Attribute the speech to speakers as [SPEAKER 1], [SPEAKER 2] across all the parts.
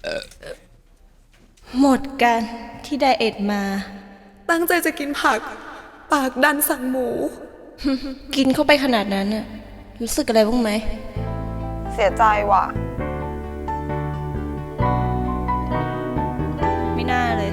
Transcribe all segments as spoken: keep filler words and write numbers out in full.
[SPEAKER 1] หมดกันที่ไดเอทมา
[SPEAKER 2] ตั้งใจจะกินผักปากดันสั่งหมู
[SPEAKER 1] กินเข้าไปขนาดนั้นน่ะรู้สึกอะไรบ้างไหม
[SPEAKER 2] เสียใจว่ะ
[SPEAKER 1] ไม่น่าเลย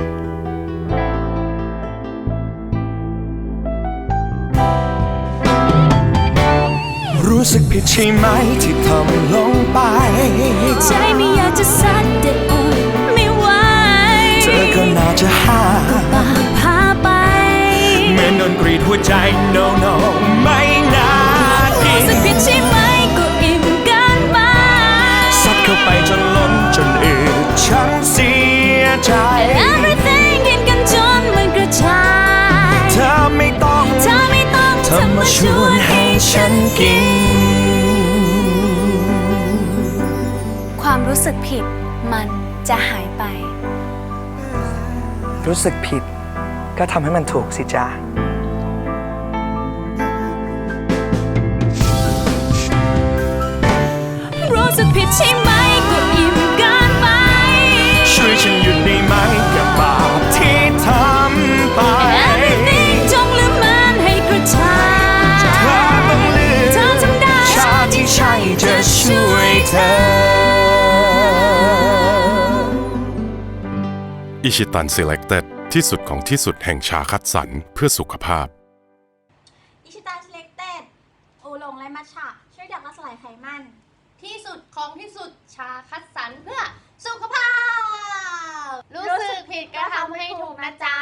[SPEAKER 3] รู้สึกผิดใช่ไหมที่ทำลงไป
[SPEAKER 4] ใจไม่อยากจะซัดแต่อดไม่ไหว
[SPEAKER 3] เธอก็น่าจะหา
[SPEAKER 4] ปากพาไป
[SPEAKER 3] เหมือนโดนกรีดหัวใจ no no ไม่น่ากิน
[SPEAKER 4] รู้สึกผิดใช่ไหมก็อิ่มกันไป
[SPEAKER 3] ซัดเข้าไปจนล้นจนอืดฉันเสียใจ
[SPEAKER 4] everything กินกันจนมันกระจาย
[SPEAKER 3] เธอไม่ต้อง
[SPEAKER 4] เธอไม่ต้อง
[SPEAKER 3] เธอมาชวนให้ฉันกิน
[SPEAKER 4] ความรู้สึกผิดมันจะหายไป
[SPEAKER 3] รู้สึกผิดก็ทำให้มันถูกสิจ๊ะ
[SPEAKER 4] รู้สึกผิดใช่ไหมก็อิ่มกันไป
[SPEAKER 3] ช่วยฉันหยุดได้ไหมกับบาปที่ทำไป
[SPEAKER 4] everything จงลืมมันให้กระจาย
[SPEAKER 3] เธอต้องลืม
[SPEAKER 4] เธอทำได้
[SPEAKER 3] ชาที่ใช่จะช่วยเธอ
[SPEAKER 5] อิชิตัน Selected ที่สุดของที่สุดแห่งชาคัดสรรเพื่อสุขภาพ
[SPEAKER 6] อิชิตัน Selected โอหลงและมัทฉะช่วยดับและสลายไขมันที่สุดของที่สุดชาคัดสรรเพื่อสุขภาพรู้สึกผิดก็ทำให้ถูกนะจ๊ะ